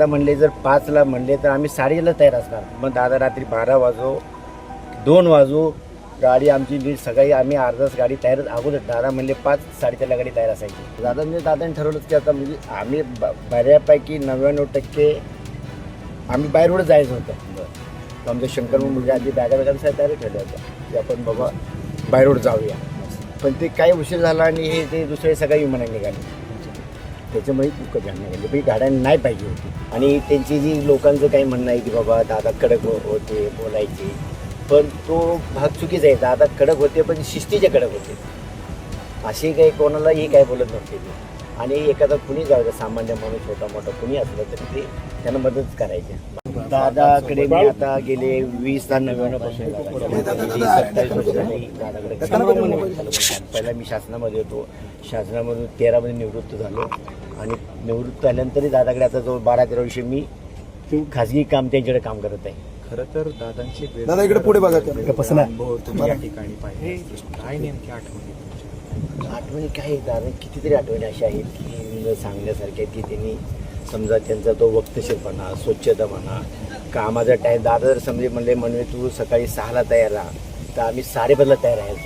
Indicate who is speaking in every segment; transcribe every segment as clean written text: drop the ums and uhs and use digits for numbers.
Speaker 1: दादा म्हणले जर 5ला म्हणले तर आम्ही 7:30ला तयार असणार. मग दादा रात्री 12 वाजो 2 वाजो गाडी आमची नीट सकाळी आम्ही अर्धा तास गाडी तयार अगोदर दादा म्हणले 5 साडेचारला गाडी तयार असायची. दादांनी ठरवलंच की आता म्हणजे आम्ही बऱ्यापैकी 99% आम्ही बाय रोड जायचं होतं. आमच्या शंकर मुलगा आधी बॅगा तयारी ठेवल्या होत्या की आपण बाबा बाय रोड जाऊया. पण ते काही उशीर झाला आणि हे ते दुसरे सगळ्या विमानाने निघाले. त्याच्यामुळे खूप घाण निघाली पण गाड्या नाही पाहिजे होती. आणि त्यांची जी लोकांचं काही म्हणणं आहे की बाबा दादा कडक होते बोलायचे, पण तो भाग चुकीचा आहे. दादा कडक होते पण शिस्तीचे कडक होते. असे काही कोणालाही काय बोलत नव्हते ते. आणि एखादा कुणी जाऊ द्या सामान्य माणूस छोटा मोठा कुणी असलं तरी ते त्यांना मदत करायचे. दादाकडे मी आता गेले 2099 पासून 27 वर्ष झाली दादाकडे. पहिला मी शासनामध्ये होतो. शासनामधून 13 मध्ये निवृत्त झालो आणि निवृत्त झाल्यानंतरही दादाकडे आता जवळ 12-13 वर्ष मी खाजगी काम त्यांच्याकडे काम करत आहे.
Speaker 2: खरं तर दादांची
Speaker 3: दादा इकडे पुढे बघा
Speaker 2: अनुभव तुम्ही या ठिकाणी पाहिले काय नेमकी
Speaker 1: आठवणी काय दादा कितीतरी आठवणी अशा आहेत की सांगण्यासारख्या की त्यांनी समजा त्यांचा तो वक्तशीरपणा स्वच्छता म्हणा कामाचा टाईम. दादा जर समजे म्हणले तू सकाळी 6ला तयार राहा तर आम्ही 5:30ला तयार राहायचो.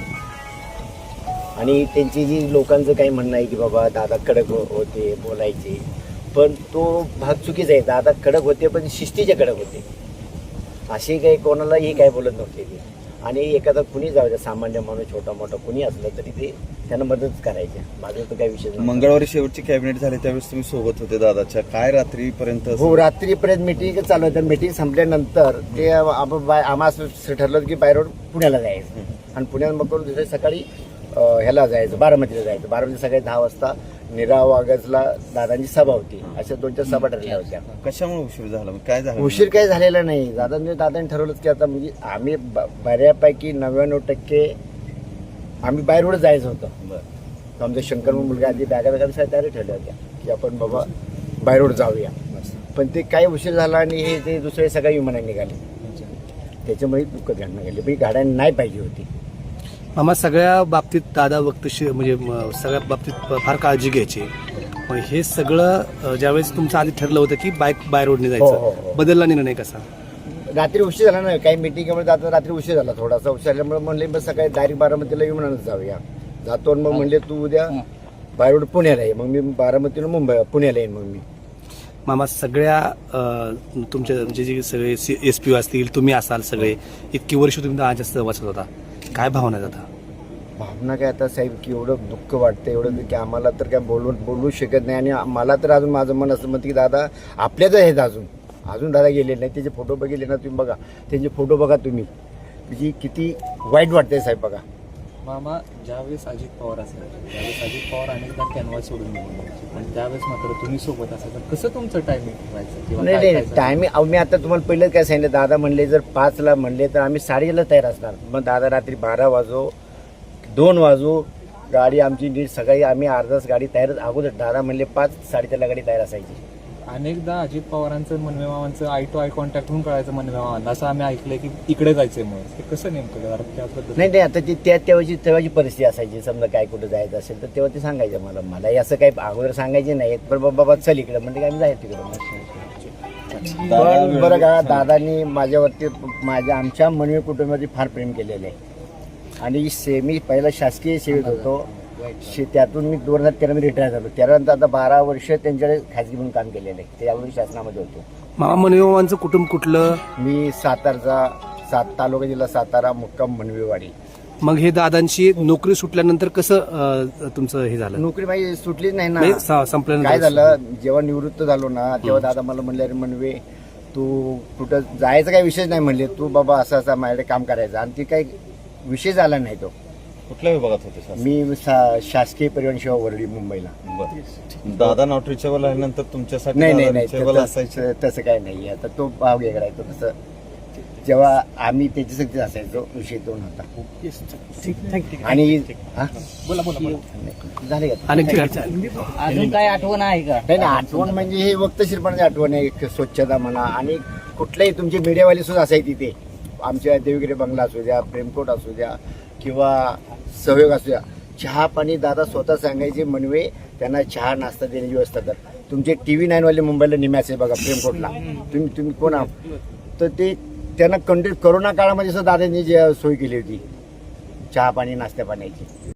Speaker 1: आणि त्यांची जी लोकांचं काही म्हणणं आहे की बाबा दादा कडक होते बोलायचे, पण तो भाग चुकीचा आहे. दादा कडक होते पण शिस्तीचे कडक होते. असे काही कोणालाही काय बोलत नव्हते ते. आणि एखादा कुणी जाऊ द्या सामान्य माणूस छोटा मोठा कुणी असलं तरी ते त्यांना मदत करायचे. माझं तर काही विषय नाही.
Speaker 3: मंगळवारी शेवटची कॅबिनेट झाली त्यावेळेस तुम्ही सोबत होते दादाच्या. काय रात्रीपर्यंत?
Speaker 1: हो रात्रीपर्यंत मीटिंग चालू होतं. मीटिंग संपल्यानंतर ते आम्हाला असं ठरलं की बाय रोड पुण्याला जायचं आणि पुण्यात मग करून दुसऱ्या सकाळी ह्याला जायचं बारामतीला जायचं. बारामती सकाळी 10 वाजता निराव वागजला दादांची सभा होती. अशा 2-4 सभा ठरल्या होत्या.
Speaker 3: कशामुळे उशीर झाला? काय झालं?
Speaker 1: उशीर काही झालेला नाही. दादांनी ठरवलंच की आता म्हणजे आम्ही बऱ्यापैकी 99% आम्ही बाय रोड जायचं होतं. आमच्या शंकर मुलगा आधी बॅगा तयारी ठेवल्या होत्या की आपण बाबा बाय रोड जाऊया. पण ते काही उशीर झाला आणि हे ते दुसरे सगळ्या विमानाने निघाले. त्याच्यामुळे खूप घाण निघाली पण गाड्या नाही पाहिजे होती.
Speaker 4: मामा सगळ्या बाबतीत दादा वक्तशीर म्हणजे सगळ्या बाबतीत फार काळजी घ्यायची. पण हे सगळं ज्यावेळेस तुमचं आधी ठरलं होतं की बाय रोडने जायचं, बदलला निर्णय कसा?
Speaker 1: रात्री उशीर झाला ना काही मिटिंगमुळे जातो. रात्री उशीर झाला थोडासा. उशीर झाल्यामुळे म्हणले मग सकाळी डायरेक्ट बारामतीला विमानानं जाऊया. जातो आणि मग म्हणले तू उद्या बाय रोड पुण्याला आहे. मग मी बारामतीला पुण्याला येईन. मग मी
Speaker 4: मामा सगळ्या तुमच्या म्हणजे जे सगळे SP असतील तुम्ही असाल सगळे इतकी वर्ष तुम्ही दादाच्या सहवासात होता. काय भावना जाता?
Speaker 1: भावना काय आता साहेब की एवढं दुःख वाटतं एवढं की आम्हाला तर काय बोलू शकत नाही. आणि मला तर अजून माझं मन असं म्हणतं की दादा आपल्याच आहेत. अजून दादा गेलेले नाही. त्याचे फोटो बघितले ना तुम्ही बघा. त्यांचे फोटो बघा तुम्ही म्हणजे किती वाईट वाटतंय साहेब बघा.
Speaker 2: मामा ज्यावेळेस अजित पवार असायचे त्यावेळेस अजित पवार अनेकदा कॅनव्हास सोडून निघून जायचे पण त्यावेळेस मात्र तुम्ही सोबत असायचं. कसं तुमचं टायमिंग ठेवायचं?
Speaker 1: नाही टायमिंग मी आता तुम्हाला पहिलं काय सांगितलं. दादा म्हणले जर 5ला म्हणले तर आम्ही 7:30ला तयार असणार. मग दादा रात्री 12 वाजो 2 वाजो गाडी आमची नीट सकाळी आम्ही अर्धा तास गाडी तयार अगोदर दादा म्हणले 5 साडेचारला गाडी तयार असायची.
Speaker 2: अनेकदा अजित पवारांचं मनवे मामांचं आय टू आय कॉन्टॅक्ट होऊन कळायचं मनवे मामांना असं आम्ही ऐकलंय की इकडे जायचंय. मग ते कसं नेमकं त्याबद्दल?
Speaker 1: नाही आता ती तेव्हाची परिस्थिती असायची. समजा काय कुठं जायचं असेल तर तेव्हा ते सांगायचं मला असं काही अगोदर सांगायचे नाही. पण बाबा चल इकडं म्हणजे आम्ही जायचं तिकडं. पण बरं का दादांनी माझ्यावरती आमच्या मनवे कुटुंबावरती फार प्रेम केलेलं आहे. आणि मी पहिला शासकीय सेवेत होतो. त्यातून मी 2013 मध्ये रिटायर झालो. त्यानंतर आता 12 वर्ष त्यांच्याकडे खाजगी म्हणून काम केलेलं आहे. ते यावेळी शासनामध्ये होतो.
Speaker 4: मामा मनवेमामांचं कुटुंब कुठलं?
Speaker 1: मी सातारचा तालुका जिल्हा सातारा मुक्काम मनवेवाडी.
Speaker 4: मग हे दादांची नोकरी सुटल्यानंतर कसं तुमचं हे झालं?
Speaker 1: नोकरी माझी सुटलीच नाही ना.
Speaker 4: संपल्यानंतर
Speaker 1: काय झालं जेव्हा निवृत्त झालो ना तेव्हा दादा मला म्हणले अरे मनवे तू कुठं जायचं काही विषय नाही म्हणले. तू बाबा असं माझ्याकडे काम करायचं. आणि ती काही विषय झाला नाही. तो
Speaker 3: कुठल्या विभागात होते?
Speaker 1: मी शासकीय परिवहन सेवा वरळी मुंबईला.
Speaker 3: दादा नॉट रिचेबल आल्यानंतर तुमच्यासाठी
Speaker 1: नाही तसं काय नाही. आता तो भाव वेगळा आहे. तो तसं जेव्हा आम्ही त्याच्यासाठी असायचो विषय तो नव्हता. आणि झाले का
Speaker 5: अजून काय आठवण आहे का?
Speaker 1: नाही आठवण म्हणजे हे वक्तशीरपणाची आठवण आहे. स्वच्छता म्हणा आणि कुठल्याही तुमचे मीडियावाले सुद्धा असायचे तिथे. आमच्या देवगिरी बंगला असू द्या प्रेमकोट असू द्या किंवा सहयोग असू द्या. चहा पाणी दादा स्वतः सांगायचे मनवे त्यांना चहा नाश्ता देण्याची व्यवस्था कर. तुमचे TV 9 वाले मुंबईला निम्याचे आहे बघा प्रेमकोटला, तुम्ही कोण आहात? तर ते त्यांना कंटिन्यू करोना काळामध्ये सुद्धा दादांनी जी सोय केली होती चहा पाणी नाश्त्या पाण्याची.